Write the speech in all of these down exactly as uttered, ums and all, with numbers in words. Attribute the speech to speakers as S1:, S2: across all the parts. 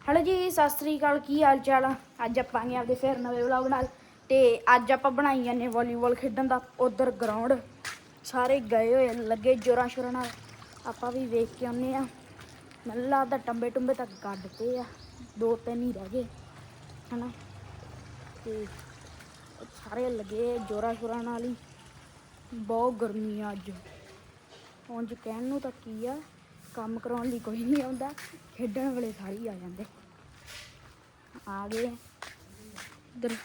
S1: Hello जी सत श्री अकाल की हाल चाल आ। अज आप आपके फिर नवे व्लॉग नाल ते अज आप बनाई जाने वॉलीबॉल खेडन का उधर ग्राउंड सारे गए हुए लगे जोरां शोरां नाल आपां भी वेख के आने मैनूं लगदा टंबे टुंबे तक कड्डते आ दो तीन ही रह गए है ना ते सारे लगे जोरां शोरां नाल ही बहुत गर्मी आ अज उंज कहण नूं तां की आ काम कराउण लई कोई नहीं आउंदा खेडण वेले सारे ही आ जांदे आ गए इधर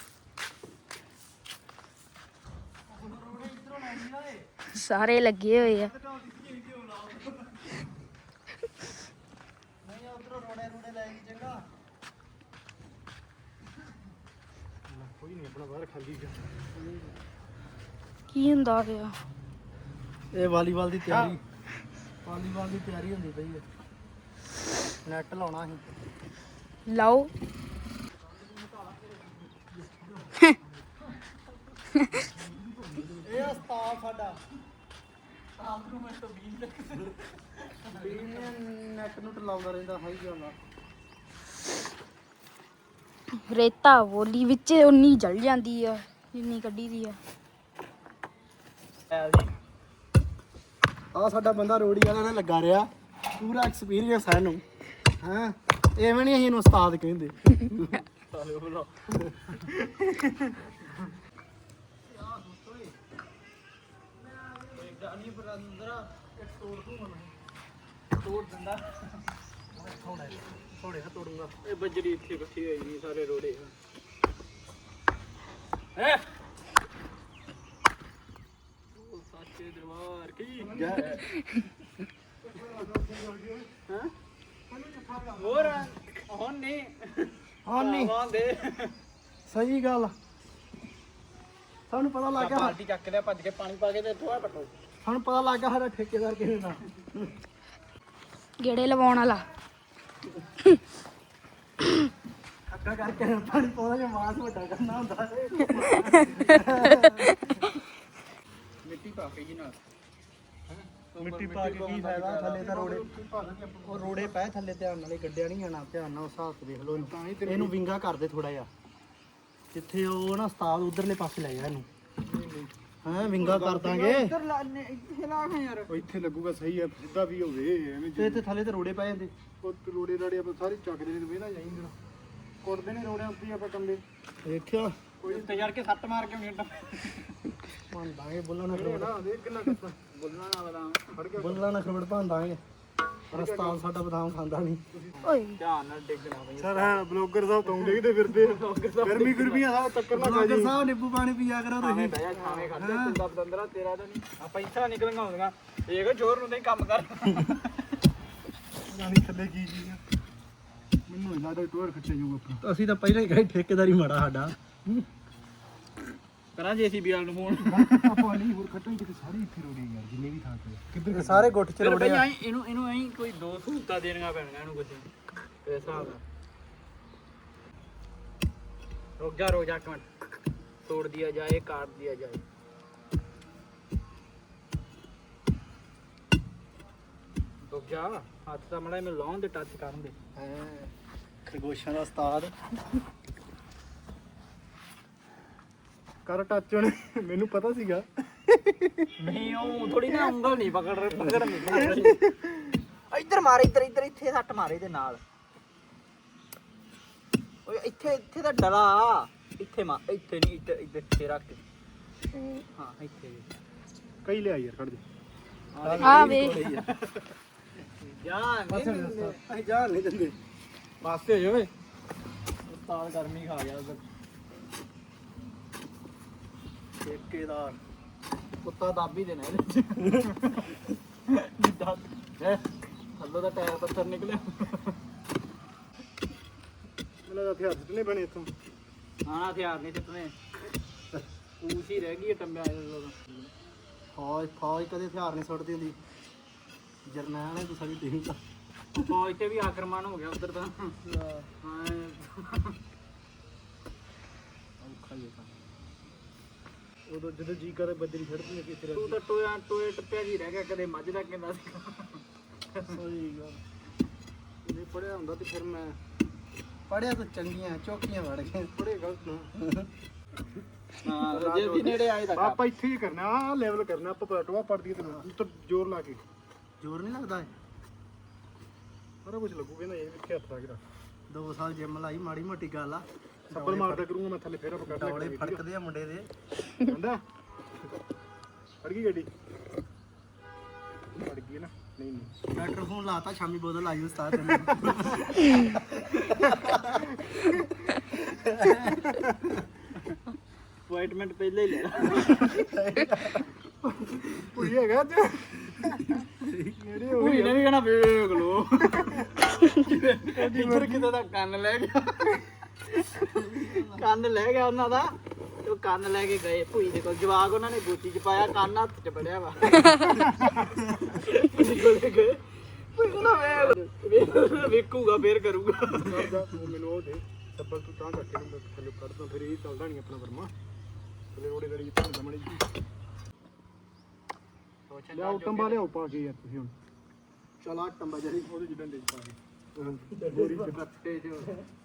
S1: सारे लगे हुए आ की हुंदा पिया
S2: ਇਹ ਵਾਲੀਬਾਲ ਦੀ ਤਿਆਰੀ ਵਾਲੀਬਾਲ ਦੀ ਤਿਆਰੀ ਹੁੰਦੀ ਪਈ ਹੈ ਨੈਟ ਲਾਉਣਾ ਸੀ
S1: ਲਾਓ
S2: ਇਹ ਉਸਤਾਦ ਸਾਡਾ ਉਸਤਾਦ ਨੂੰ ਮੈਂ ਤਾਂ ਵੀਹ ਤੱਕ ਵੀਹ ਨੈਟ ਨੂੰ ਟਲਾਉਂਦਾ ਰਹਿੰਦਾ ਹਾਈ ਜਾਂਦਾ
S1: ਰੇਤਾ ਵੋਲੀ ਵਿੱਚ ਉਨੀ ਜਲ ਜਾਂਦੀ ਆ ਜਿੰਨੀ ਕੱਢੀ ਦੀ ਆ
S2: ਆ ਸਾਡਾ ਬੰਦਾ ਰੋੜੀ ਵਾਲਾ ਨਾਲ ਲੱਗਾ ਰਿਹਾ ਪੂਰਾ ਐਕਸਪੀਰੀਅੰਸ ਹੈ ਇਹਨੂੰ ਹਾਂ ਐਵੇਂ ਨਹੀਂ ਅਸੀਂ ਇਹਨੂੰ ਉਸਤਾਦ ਕਹਿੰਦੇ ਸਾਲੇ ਬੋਲੋ ਡਾਨੀ ਬਰੰਦਰਾ ਇੱਕ ਤੋੜ ਦੂੰ ਮੈਂ ਤੋੜ ਦਿੰਦਾ ਥੋੜੇ ਥੋੜੇ ਨਾ ਤੋੜੂੰਗਾ ਇਹ ਬੱਜਰੀ ਇੱਥੇ ਇਕੱਠੀ ਹੋਈ ਨਹੀਂ ਸਾਰੇ ਰੋੜੇ ਹੈ ਉਹ ਸਾਚੇ ਦਰਬਾਰ ਕੀ ਹਾਂ ਹੋਰ ਹੁਣ ਨਹੀਂ ਹੁਣ ਨਹੀਂ ਦੇ ਸਹੀ ਗੱਲ ਸਾਨੂੰ ਪਤਾ ਲੱਗ ਗਿਆ ਬਾਲਟੀ ਚੱਕ ਲਿਆ ਭੱਜ ਕੇ ਪਾਣੀ ਪਾ ਕੇ ਤੇ ਥੋੜਾ ਪਟੋ ਸਾਨੂੰ ਪਤਾ ਲੱਗ ਗਿਆ ਸਾਡਾ ਠੇਕੇਦਾਰ ਕਿਹਨੇ ਦਾ
S1: ਗੇੜੇ ਲਵਾਉਣ ਵਾਲਾ
S2: ਅੱਗਾ ਕਰਕੇ ਪਾਣੀ ਪਾਉਣਾ ਜਾਂ ਮਾਸ ਵੱਡਾ ਕਰਨਾ ਹੁੰਦਾ ਮਿੱਟੀ ਪਾ ਕੇ ਜੀ ਨਾਲ ਮਿੱਟੀ ਪਾ ਕੇ ਕੀ ਫਾਇਦਾ ਥੱਲੇ ਤਾਂ ਰੋੜੇ ਉਹ ਰੋੜੇ ਪਏ ਥੱਲੇ ਧਿਆਨ ਨਾਲ ਗੱਡਿਆ ਨਹੀਂ ਜਾਣਾ ਧਿਆਨ ਨਾਲ ਹਿਸਾਬ ਤੇ ਦੇਖ ਲਓ ਇਹਨੂੰ ਵਿੰਗਾ ਕਰਦੇ ਥੋੜਾ ਜਿਹਾ ਜਿੱਥੇ ਉਹ ਨਾ ਉਸਤਾਦ ਉਧਰਲੇ ਪਾਸੇ ਲੈ ਜਾ ਇਹਨੂੰ ਹਾਂ ਵਿੰਗਾ ਕਰ ਦਾਂਗੇ ਇੱਧਰ ਇੱਥੇ ਲਾ ਕੇ ਯਾਰ ਉਹ ਇੱਥੇ ਲੱਗੂਗਾ ਸਹੀ ਹੈ ਸਿੱਧਾ ਵੀ ਹੋਵੇ ਐਵੇਂ ਤੇ ਇੱਥੇ ਥੱਲੇ ਤੇ ਰੋੜੇ ਪਏ ਜਾਂਦੇ ਉਹ ਰੋੜੇ ਰਾੜੇ ਆਪਾਂ ਸਾਰੇ ਚੱਕਦੇ ਨੇ ਵੇਲਾ ਜਾਈਂਦੇ ਕੁੱਟਦੇ ਨੇ ਰੋੜਿਆਂ ਉੱਤੇ ਆਪਾਂ ਕੰਬੇ ਦੇਖਿਆ ਕੋਈ ਤੇ ਯਾਰ ਕੇ ਸੱਟ ਮਾਰ ਕੇ ਨਹੀਂ ਮੰਨਦਾਂਗੇ ਬੁੱਲਾ ਨਾ ਖਰੋੜ ਦੇਖ ਕਿੰਨਾ ਕੱਤਾ ਬੁੱਲਾ ਨਾ ਬਦਾਮ ਫੜ ਕੇ ਬੁੱਲਾ ਨਾ ਖਰੋੜ ਭਾਂਦਾਂਗੇ ਰਸਤਾਨ ਸਾਡਾ ਬਦਾਮ ਖਾਂਦਾ ਨਹੀਂ
S1: ਓਏ
S2: ਧਿਆਨ ਨਾਲ ਡਿੱਗਣਾ ਬਈ ਸਰ ਹਾਂ ਬਲੌਗਰ ਸਾਹਿਬ ਤੋਂ ਡਿੱਗਦੇ ਫਿਰਦੇ ਗਰਮੀ ਗੁਰਮੀਆਂ ਸਾਹਿਬ ਟੱਕਰ ਨਾ ਬਲੌਗਰ ਸਾਹਿਬ ਨਿੰਬੂ ਪਾਣੀ ਪੀਆ ਕਰੋ ਤੁਸੀਂ ਬਹਿ ਜਾ ਖਾਵੇਂ ਖੜਦੇ ਤੁੰਦਾ ਬਦੰਦਰਾ ਤੇਰਾ ਤਾਂ ਨਹੀਂ ਆਪਾਂ ਇੱਥਾ ਨਿਕਲਣਾ ਹੁੰਦੀਆਂ ਇਹ ਜ਼ੋਰ ਨੂੰ ਨਹੀਂ ਕੰਮ ਕਰ ਜਾਨੀ ਥੱਲੇ ਕੀ ਚੀਜ਼ ਆ ਮੈਨੂੰ ਇਹਨਾਂ ਦਾ ਟੂਰ ਖੱਟੇ ਜੂਗਾ ਆਪਣਾ ਅਸੀਂ ਤਾਂ ਪਹਿਲਾਂ ਹੀ ਕਹੇ ਠੇਕੇਦਾਰੀ ਮਾੜਾ ਸਾਡਾ ਕਰਾਂ ਜੇਸੀਬੀ ਵਾਲ ਨੂੰ ਫੋਨ ਆਪਾਂ ਨਹੀਂ ਹੋਰ ਖੱਟਣ ਕਿਤੇ ਸਾਰੇ ਇੱਥੇ ਰੋੜੇ ਯਾਰ ਜਿੰਨੇ ਵੀ ਥਾਂ ਤੇ ਕਿੱਧਰ ਸਾਰੇ ਗੁੱਟ ਚ ਰੋੜੇ ਆ ਇਹਨੂੰ ਇਹਨੂੰ ਐਂ ਕੋਈ ਦੋ ਸਹੂਲਤਾਂ ਦੇਣੀਆਂ ਪੈਣੀਆਂ ਇਹਨੂੰ ਕੁਝ ਇਸ ਹਿਸਾਬ ਨਾਲ ਰੁਕ ਜਾ ਰੁਕ ਜਾ ਇੱਕ ਮਿੰਟ ਤੋੜ ਦਿਆ ਜਾਏ ਕਾਟ ਦਿਆ ਜਾਏ ਰੁਕ ਜਾ ਹੱਥ ਤਾਂ ਮੜਾ ਮੈਨੂੰ ਲਾਉਣ ਦੇ ਟੱਚ ਕਰਨ ਦੇ ਹਾਂ ਖਰਗੋਸ਼ਾਂ ਦਾ ਉਸਤਾਦ ਕਰ ਟੱਚ ਹੁਣ ਮੈਨੂੰ ਪਤਾ ਸੀਗਾ ਨਹੀਂ ਉਹ ਥੋੜੀ ਨਾ ਉਂਗਲ ਨਹੀਂ ਪਕੜ ਰਹੇ ਪਕੜ ਨਹੀਂ ਇੱਧਰ ਮਾਰ ਇੱਧਰ ਇੱਧਰ ਇੱਥੇ ਸੱਟ ਮਾਰੇ ਦੇ ਨਾਲ ਓਏ ਇੱਥੇ ਇੱਥੇ ਤਾਂ ਡਲਾ ਇੱਥੇ ਮਾ ਇੱਥੇ ਨਹੀਂ ਇੱਧਰ ਇੱਧਰ ਇੱਥੇ ਰੱਖ ਹਾਂ ਇੱਥੇ ਕਈ ਲਿਆ ਯਾਰ ਖੜ ਦੇ
S1: ਆ ਵੇ
S2: ਜਾਨ ਨਹੀਂ ਜਾਨ ਨਹੀਂ ਦਿੰਦੇ ਪਾਸੇ ਹੋ ਜਾਵੇ ਉਸਤਾਦ ਗਰਮੀ ਖਾ ਗਿਆ ਉਧਰ ਠੇਕੇਦਾਰ ਕੁੱਤਾ ਦਾਬੀ ਦੇਣਾ ਇਹਦੇ ਜਿੱਦਾਂ ਹੈ ਥੱਲੋਂ ਦਾ ਟਾਇਰ ਪੱਥਰ ਨਿਕਲਿਆ ਮੈਨੂੰ ਤਾਂ ਹਥਿਆਰ ਸਿੱਟਣੇ ਬਣੇ ਇੱਥੋਂ ਹਾਂ ਹਥਿਆਰ ਨਹੀਂ ਸਿੱਟਣੇ ਪੂਛ ਹੀ ਰਹਿ ਗਈ ਟੰਬਿਆ ਫੌਜ ਫੌਜ ਕਦੇ ਹਥਿਆਰ ਨਹੀਂ ਸੁੱਟਦੀ ਹੁੰਦੀ ਜਰਨੈਲ ਨੇ ਤੂੰ ਸਾਡੀ ਟੀਮ ਦਾ ਫੌਜ ਤੇ ਵੀ ਆਕਰਮਣ ਹੋ ਗਿਆ ਉਧਰ ਤਾਂ ਹਾਂ ਔਖਾ ਹੀ ਹੈ ਉਦੋਂ ਜਦੋਂ ਜੀ ਕਰੇ ਬੱਦਰੀ ਛੱਡਦੀ ਕਿ ਤੇਰਾ ਤੂੰ ਤਾਂ ਟੋਇਆ ਟੋਏ ਟੱਪਿਆ ਜੀ ਰਹਿ ਗਿਆ ਕਦੇ ਮੱਝ ਦਾ ਕਹਿੰਦਾ ਸੀ ਸਹੀ ਗੱਲ ਜੇ ਪੜਿਆ ਹੁੰਦਾ ਤੇ ਫਿਰ ਮੈਂ ਪੜਿਆ ਤਾਂ ਚੰਗੀਆਂ ਚੌਕੀਆਂ ਵੜ ਗਏ ਪੜੇ ਗਲਤ
S3: ਹਾਂ ਜੇ ਵੀ ਨੇੜੇ ਆਏ ਤਾਂ
S4: ਆਪਾਂ ਇੱਥੇ ਹੀ ਕਰਨਾ ਆ ਲੈਵਲ ਕਰਨਾ ਆਪਾਂ ਪਲਟਵਾ ਪੜਦੀ ਤੈਨੂੰ ਉੱਤਰ ਜ਼ੋਰ ਲਾ ਕੇ
S2: ਜ਼ੋਰ ਨਹੀਂ ਲੱਗਦਾ
S4: ਸਾਰਾ ਕੁਝ ਲੱਗੂਗਾ ਨਾ ਇਹ ਕਿੱਥੇ ਹੱਥ ਲਾ ਕੇ ਰੱਖ
S2: ਦੋ ਸਾਲ ਜਿਮ ਲਾਈ ਮਾੜੀ ਮੋਟੀ ਗੱਲ ਆ
S4: ਸੱਬਲ ਮਾਰਦਾ ਕਰੂੰਗਾ ਮੈਂ ਥੱਲੇ ਫੇਰ ਆਪਾਂ ਕੱਢ
S2: ਡੌਲੇ ਫੜਕਦੇ ਆ ਮੁੰਡੇ ਦੇ
S4: ਕਹਿੰਦਾ ਫੜ ਗਈ ਗੱਡੀ ਫੜ ਗਈ ਨਾ ਨਹੀਂ ਨਹੀਂ
S2: ਡਾਕਟਰ ਫੋਨ ਲਾਤਾ ਸ਼ਾਮੀ ਬੋਤਲ ਆਈ ਉਸਤਾਦ
S3: ਅਪਾਇੰਟਮੈਂਟ ਪਹਿਲੇ ਹੀ ਲੈ
S4: ਕੋਈ ਹੈਗਾ ਅੱਜ ਨੇੜੇ ਹੋ
S3: ਕੋਈ ਨਹੀਂ ਕਹਣਾ ਵੇਖ ਲੋ ਇੱਧਰ ਕਿਤੇ ਦਾ ਕੰਨ ਲੈ ਗਿਆ ਕੰਨ ਲੈ ਗਿਆ ਉਹਨਾਂ ਦਾ ਤੇ ਉਹ ਕੰਨ ਲੈ ਕੇ ਗਏ ਭੂਈ ਦੇ ਕੋਲ ਜਵਾਕ ਉਹਨਾਂ ਨੇ ਗੋਚੀ ਚ ਪਾਇਆ ਕੰਨ ਹੱਥ ਚ ਫੜਿਆ ਵਾ ਭੂਈ ਕੋਲੇ ਗਏ ਭੂਈ ਕਹਿੰਦਾ ਵੇਖ ਵੇਖੂਗਾ ਫੇਰ ਕਰੂਗਾ
S4: ਮੈਨੂੰ ਉਹ ਦੇ ਸੱਬਲ ਤੂੰ ਤਾਂ ਕਰਕੇ ਨੂੰ ਥੱਲੇ ਕੱਢਦਾ ਫਿਰ ਇਹ ਚੱਲਦਾ ਨਹੀਂ ਆਪਣਾ ਵਰਮਾ ਥੱਲੇ ਰੋੜੇ ਕਰੀ ਤਾਂ ਦਮਣੀ ਲਿਆਓ ਟੰਬਾ ਲਿਆਓ ਪਾ ਕੇ ਯਾਰ ਤੁਸੀਂ ਹੁਣ
S2: ਚਲਾ ਟੰਬਾ ਜਿਹੜੀ
S4: ਉਹਦੇ ਜਿੱਦਾਂ ਦੇ ਪਾ ਕੇ ਗੋਰੀ ਚ ਰੱਖੇ ਜੋ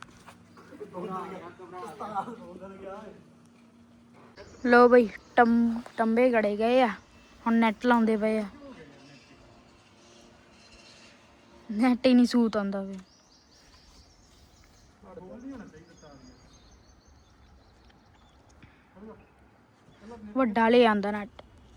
S1: ਲੋ ਬਈ ਟੰ ਟੰਬੇ ਗੜੇ ਗਏ ਆ ਹੁਣ ਨੈਟ ਲਾਉਂਦੇ ਪਏ ਆ ਨੈਟ ਹੀ ਨਹੀਂ ਸੂਤ ਆਉਂਦਾ ਵੇ ਵੱਡਾ ਲੈ ਆਂਦਾ ਨੈਟ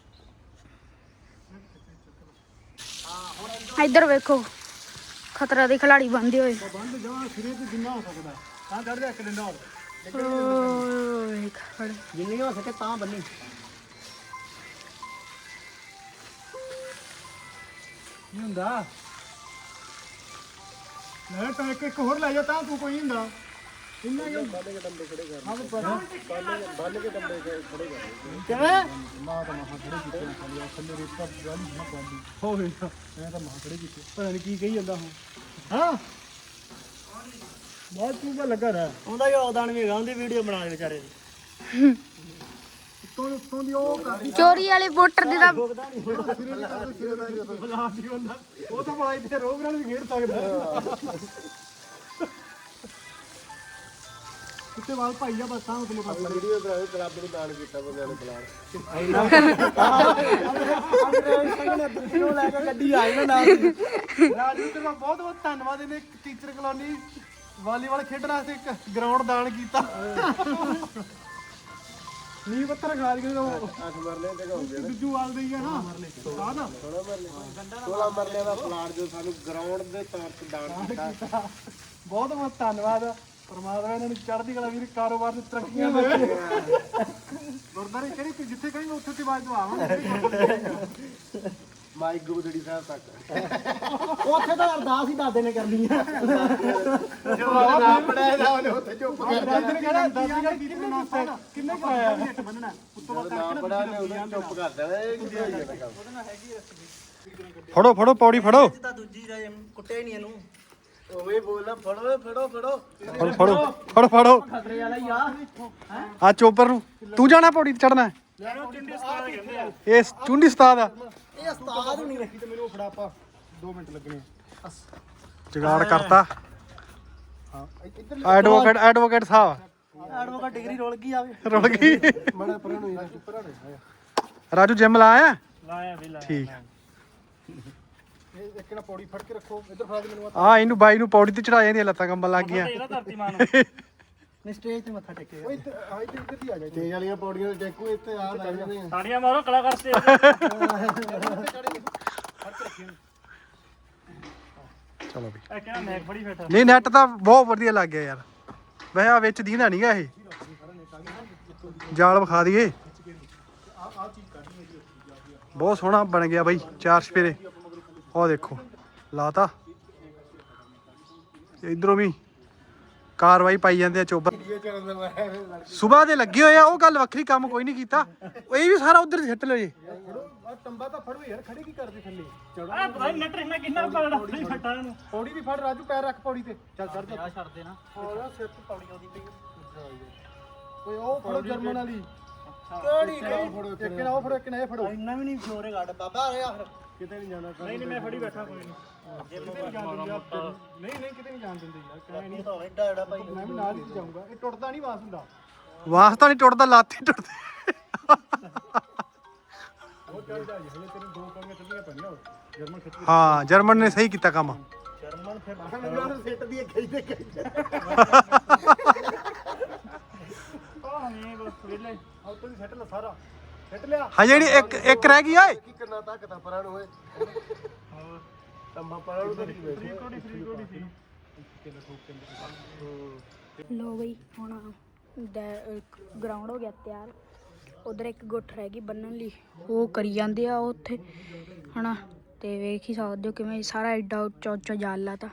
S1: ਇੱਧਰ ਵੇਖੋ ਖਤਰਾ ਦੇ ਖਿਲਾੜੀ ਬੰਦੇ ਹੋਏ
S4: ਬੰਦ ਜਾ ਸਿਰੇ ਤੇ ਜਿੰਨਾ ਹੋ ਸਕਦਾ ਤਾਂ ਚੜ ਜਾ ਇੱਕ ਡੰਡਾ ਹੋਰ
S1: ਓਏ ਖੜ
S2: ਜਿੰਨੀ ਹੋ ਸਕੇ ਤਾਂ ਬੰਨੀ
S4: ਕੀ ਹੁੰਦਾ ਮੈਂ ਤਾਂ ਇੱਕ ਇੱਕ ਹੋਰ ਲੈ ਜਾ ਤਾਂ ਤੂੰ ਕੋਈ ਹੁੰਦਾ ਇੰਨਾ ਕਿਉਂ ਬਾਲੇ ਕੇ ਡੰਡੇ ਖੜੇ ਕਰ ਹਾਂ ਬਾਲੇ ਬਾਲੇ ਕੇ ਡੰਡੇ ਖੜੇ ਕਰ
S2: ਕਿਵੇਂ
S4: ਮਾਂ ਤਾਂ ਮਾਂ ਖੜੇ ਕੀਤੇ ਖਾਲੀ ਆ ਥੱਲੇ ਰੇਤਾ ਗਾਲੀ ਨਾ ਪਾਉਂਦੀ ਹੋਵੇ ਮੈਂ ਤਾਂ ਮਾਂ ਖੜੇ ਕੀਤੇ ਪਤਾ ਨਹੀਂ ਕੀ ਕਹੀ ਜਾਂਦਾ ਹੁਣ ਹਾਂ ਬਹੁਤ ਤੂੰ ਤਾਂ ਲੱਗਾ ਰਹਿ
S2: ਉਹਦਾ ਯੋਗਦਾਨ ਵੀ ਹੈਗਾ ਉਹਦੀ ਵੀਡੀਓ ਬਣਾ ਦੇ ਵਿਚਾਰੇ ਦੀ
S4: ਉੱਤੋਂ ਉੱਤੋਂ ਦੀ ਉਹ ਕਰਦੀ
S1: ਚੋਰੀ ਵਾਲੇ ਵੋਟਰ ਦੇ ਤਾਂ
S4: ਬਲਾ ਦੀ ਹੁੰਦਾ ਉਹ ਤਾਂ ਬੜਾ ਇੱਥੇ ਰੋਗ ਨਾਲ ਵੀ ਖੇਡ ਸਕਦਾ ਕਿਤੇ ਵਾਲ ਭਾਈ ਆ ਬਸਾਂ ਉਤਲੇ ਪਾਸੇ ਵੀਡੀਓ ਕਰਾਓ ਕਲੱਬ ਨੂੰ ਦਾਨ ਕੀਤਾ ਬੰਦਿਆਂ ਨੂੰ
S2: ਦਰਸ਼ਨੋਂ ਲੈ ਕੇ ਗੱਡੀ ਆਈ ਨਾ ਨਾਲ
S4: ਰਾਜੂ ਤੇਰਾ ਬਹੁਤ ਬਹੁਤ ਧੰਨਵਾਦ ਇਹਨੇ ਟੀਚਰ ਕਲੋਨੀ ਵਾਲੀਬਾਲ ਖੇਡਣ ਵਾਸਤੇ ਇੱਕ ਗਰਾਊਂਡ ਦਾਨ ਕੀਤਾ ਨੀ ਪੱਤਰ ਖਾ ਕੇ ਉਹ ਅੱਠ ਮਰਲੇ ਤੇ ਹੋ ਗਏ ਦੂਜੂ ਵਾਲ ਦੇ ਹੀ ਆ ਨਾ ਆ ਨਾ
S2: ਸੋਲਾਂ ਮਰਲੇ ਦਾ ਪਲਾਟ ਜੋ ਸਾਨੂੰ ਗਰਾਊਂਡ ਦੇ ਤੌਰ ਤੇ ਦਾਨ ਕੀਤਾ
S4: ਬਹੁਤ ਬਹੁਤ ਧੰਨਵਾਦ ਪਰਮਾਤਮਾ ਇਹਨਾਂ ਨੂੰ ਚੜ੍ਹਦੀ ਕਲਾ ਵੀਰ ਕਾਰੋਬਾਰ ਦੀ ਤਰੱਕੀਆਂ ਦੇਵੇ ਗੁਰਦਾਰੇ ਕਿਹੜੀ ਜਿੱਥੇ ਕਹੀਂ ਉੱਥੇ ਤੇ ਬਾਅਦ ਦਵਾਵਾਂਗੇ
S2: ਮਾਈ ਗੁਰਦੜੀ ਸਾਹਿਬ ਤੱਕ ਉੱਥੇ ਤਾਂ ਅਰਦਾਸ ਹੀ ਦਾਦੇ ਨੇ ਕਰਨੀ ਆ
S4: ਜੋ ਨਾਮ ਪੜਿਆ ਦਾ ਉਹਨੇ ਉੱਥੇ ਚੁੱਪ ਕਰ ਦਾਦੇ ਨੇ ਕਹਿਣਾ ਦਾਦੀ ਕਿੰਨੇ ਨਾਸਾ ਕਿੰਨੇ ਕਰਾਇਆ ਹੇਠ ਬੰਨਣਾ ਉੱਤੋਂ ਬਾਅਦ ਨਾਮ ਪੜਿਆ ਨੇ ਉਹਨੇ ਚੁੱਪ ਕਰ ਦੇਣਾ ਇਹ ਕੀ ਹੋਈ ਜਾਂਦਾ ਕੰਮ
S5: ਫੜੋ ਫੜੋ ਪੌੜੀ ਫੜੋ
S2: ਤਾਂ ਦੂਜੀ ਦਾ ਕੁੱਟਿਆ ਹੀ ਨਹੀਂ ਇਹਨੂੰ ਉਵੇਂ ਬੋਲਣਾ ਫੜੋ ਫੜੋ ਫੜੋ
S5: ਫੜੋ ਫੜੋ ਫੜੋ ਫੜੋ
S2: ਖਤਰੇ ਵਾਲਾ ਹੀ ਆ
S5: ਆ ਚੋਪਰ ਨੂੰ ਤੂੰ ਜਾਣਾ ਪੌੜੀ ਤੇ ਚੜਨਾ ਇਹ ਚੁੰਡੀ ਸਤਾਦ ਆ
S2: ਇਹ ਉਸਤਾਦ ਨਹੀਂ ਰੱਖੀ
S4: ਤੇ ਮੈਨੂੰ ਫੜਾ ਪਾ ਦੋ ਮਿੰਟ ਲੱਗਣੇ
S5: ਜਗਾੜ ਕਰਤਾ
S4: ਹਾਂ ਇੱਧਰ
S5: ਐਡਵੋਕੇਟ ਐਡਵੋਕੇਟ ਸਾਹਿਬ
S2: ਐਡਵੋਕੇਟ ਡਿਗਰੀ ਰੋਲ ਗਈ ਆਵੇ
S5: ਰੁੜ ਗਈ
S4: ਬੜਾ ਪਰਾਂ ਨੂੰ ਇਹਦਾ ਪਰਾਂ ਨੂੰ
S5: ਰਾਜੂ ਜਿਮ ਲਾਇਆ
S3: ਲਾਇਆ ਵੀ ਲਾਇਆ
S5: ਠੀਕ
S4: ਇਹ ਇੱਕ ਨਾ ਪੌੜੀ ਫੜ ਕੇ ਰੱਖੋ ਇੱਧਰ ਫੜਾ ਦੇ ਮੈਨੂੰ
S5: ਆ ਇਹਨੂੰ ਬਾਈ ਨੂੰ ਪੌੜੀ ਤੇ ਚੜਾ ਜਾਂਦੀਆਂ ਲੱਤਾਂ ਕੰਬਣ ਲੱਗ ਗਈਆਂ
S3: ਇਹਦਾ ਧਰਤੀ ਮਾਂ ਨੂੰ
S2: ਨੇ ਸਟੇਜ ਤੇ ਮੱਥਾ ਟੇਕੇਗਾ
S4: ਓਏ ਇੱਧਰ ਆ ਇੱਧਰ ਇੱਧਰ ਦੀ ਆ ਜਾ
S2: ਤੇਜ ਵਾਲੀਆਂ ਪੌੜੀਆਂ ਤੇ ਟੇਕੂ ਇੱਥੇ ਆ ਲੱਗ ਜਾਂਦੇ ਆ
S3: ਤਾੜੀਆਂ ਮਾਰੋ ਕਲਾਕਾਰ ਸਟੇਜ
S5: ਚਲੋ ਵੀ
S3: ਇਹ ਕਹਿੰਦਾ ਮੈਂ ਫੜੀ ਬੈਠਾ
S5: ਨਹੀਂ ਨੈਟ ਤਾਂ ਬਹੁਤ ਵਧੀਆ ਲੱਗ ਗਿਆ ਯਾਰ ਵੈਸੇ ਆ ਵਿੱਚ ਦੀਂਦਾ ਨਹੀਂਗਾ ਇਹ ਜਾਲ ਵਿਖਾ ਦਈਏ ਬਹੁਤ ਸੋਹਣਾ ਬਣ ਗਿਆ ਬਾਈ ਚਾਰ ਸਪੇਰੇ ਉਹ ਦੇਖੋ ਲਾਤਾ ਇਧਰੋਂ ਵੀ ਕਾਰਵਾਈ ਪਾਈ ਜਾਂਦੇ ਆ ਚੋਬਰ ਸਵੇਰ ਦੇ ਲੱਗੇ ਹੋਏ ਆ ਉਹ ਗੱਲ ਵੱਖਰੀ ਕੰਮ ਕੋਈ ਨਹੀਂ ਕੀਤਾ ਇਹ ਵੀ ਸਾਰਾ ਉਧਰ ਸਿੱਟ ਲਓ ਜੀ
S4: ਆ ਟੰਬਾ ਤਾਂ ਫੜੋ ਯਾਰ ਖੜੇ ਕੀ ਕਰਦੇ ਥੱਲੇ
S3: ਆ ਪਤਾ ਨਹੀਂ ਨਟਰ ਇਹਨਾਂ ਕਿੰਨਾ ਪਗੜਾ ਫੜੀ ਫਟਾ ਇਹਨੂੰ
S4: ਪੌੜੀ ਵੀ ਫੜ ਰਾਜੂ ਪੈਰ ਰੱਖ ਪੌੜੀ ਤੇ ਚੱਲ ਚੜ ਜਾ
S3: ਛੱਡ ਦੇ ਨਾ
S4: ਹੋਰ ਸਿਰ ਤੇ ਪੌੜੀ ਆਉਂਦੀ ਪਈ ਓਏ ਉਹ ਫੜੋ ਜਰਮਨ ਵਾਲੀ ਕਿਹੜੀ ਕਿਹੜੀ ਫੜੋ ਇੱਕ ਨਾ ਉਹ ਫੜੋ ਇੱਕ ਨਾ ਇਹ ਫੜੋ
S2: ਇੰਨਾ ਵੀ ਨਹੀਂ ਜ਼ੋਰੇ ਕੱਢ ਬਾਬਾ ਆ ਯਾਰ
S4: ਕਿਤੇ ਨਹੀਂ ਜਾਣਾ ਨਹੀਂ ਨਹੀਂ ਮੈਂ ਫੜੀ ਬੈਠਾ ਕੋਈ ਨਹੀਂ ਕਿਤੇ ਨਹੀਂ ਜਾਣ ਦਿੰਦੇ ਆਪਾਂ ਨਹੀਂ ਨਹੀਂ ਕਿਤੇ ਨਹੀਂ ਜਾਣ ਦਿੰਦੇ ਯਾਰ ਕਹਿ ਨਹੀਂ
S2: ਤਾਂ ਐਡਾ ਐਡਾ ਭਾਈ
S4: ਮੈਂ ਵੀ ਨਾਲ ਹੀ ਜਾਊਂਗਾ ਇਹ ਟੁੱਟਦਾ ਨਹੀਂ ਵਾਸ ਹੁੰਦਾ
S5: ਵਾਸਤਾ ਨਹੀਂ ਟੁੱਟਦਾ, ਲੱਤ ਹੀ ਟੁੱਟਦੀ।
S4: ਉਹ ਚੱਲ ਜਾ ਜੀ ਹਲੇ ਤੈਨੂੰ ਦੋ ਪੰਗੇ ਚੱਲੀਆਂ ਪੈਣੀਆਂ ਜਰਮਨ ਖਿੱਚ
S5: ਹਾਂ ਜਰਮਨ ਨੇ ਸਹੀ ਕੀਤਾ ਕੰਮ।
S2: ਜਰਮਨ ਫਿਰ ਮੈਨੂੰ ਨੂੰ ਸਿੱਟ ਦੀ ਗਈ ਤੇ ਗਈ
S4: ਆਹ ਨਹੀਂ ਬਸ ਵੇਲੇ ਆਹ ਤੋਂ ਸੈੱਟ ਲਾ ਸਾਰਾ ਸੈੱਟ ਲਿਆ
S5: ਹਾਂ ਜਿਹੜੀ ਇੱਕ ਇੱਕ ਰਹਿ ਗਈ ਓਏ।
S4: ਕੀ ਕਰਨਾ ਤੱਕ ਤਾਂ ਪਰਾਂ ਨੂੰ ਓਏ ਹਾਂ ਤੰਬਾ ਪਰਾਂ ਨੂੰ ਤਾਂ ਨਹੀਂ ਫ੍ਰੀ ਕੋਡੀ ਫ੍ਰੀ ਕੋਡੀ ਸੀ ਕਿੰਨੇ ਠੋਕ ਕੇ
S1: ਲੋ ਬਈ ਹੁਣ ਗਰਾਊਂਡ ਹੋ ਗਿਆ ਤਿਆਰ। ਉਧਰ ਇੱਕ ਗੁੱਠ ਰਹਿ ਗਈ ਬੰਨਣ ਲਈ, ਉਹ ਕਰੀ ਜਾਂਦੇ ਆ ਉੱਥੇ ਹਨਾ। ਤੇ ਵੇਖ ਹੀ ਸਕਦੇ ਹੋ ਕਿਵੇਂ ਸਾਰਾ ਐਡਾ ਉੱਚਾ ਉੱਚਾ ਜਾਲ ਲਾਤਾ।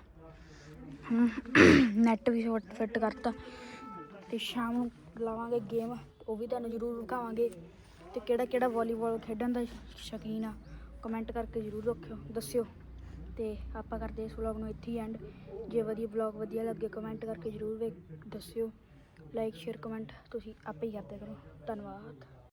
S1: ਨੈਟ ਵੀ ਫਿੱਟ ਕਰਤਾ ਤੇ ਸ਼ਾਮ ਨੂੰ ਲਾਵਾਂਗੇ ਗੇਮ, ਉਹ ਵੀ ਤੁਹਾਨੂੰ ਜ਼ਰੂਰ ਵਿਖਾਵਾਂਗੇ। ਤੇ ਕਿਹੜਾ ਕਿਹੜਾ ਵਾਲੀਬਾਲ ਖੇਡਣ ਦਾ ਸ਼ੌਕੀਨ ਆ ਕਮੈਂਟ ਕਰਕੇ ਜ਼ਰੂਰ ਰੱਖਿਓ ਦੱਸਿਓ। ਤੇ ਆਪਾਂ ਕਰਦੇ ਇਸ ਵਲੌਗ ਨੂੰ ਇੱਥੇ ਹੀ ਐਂਡ। ਜੇ ਵਧੀਆ ਵਲੌਗ ਵਧੀਆ ਲੱਗੇ ਕਮੈਂਟ ਕਰਕੇ ਜ਼ਰੂਰ ਵੇਖ ਦੱਸਿਓ। ਲਾਈਕ ਸ਼ੇਅਰ ਕਮੈਂਟ ਤੁਸੀਂ ਆਪੇ ਹੀ ਕਰਦੇ ਕਰੋ। ਧੰਨਵਾਦ।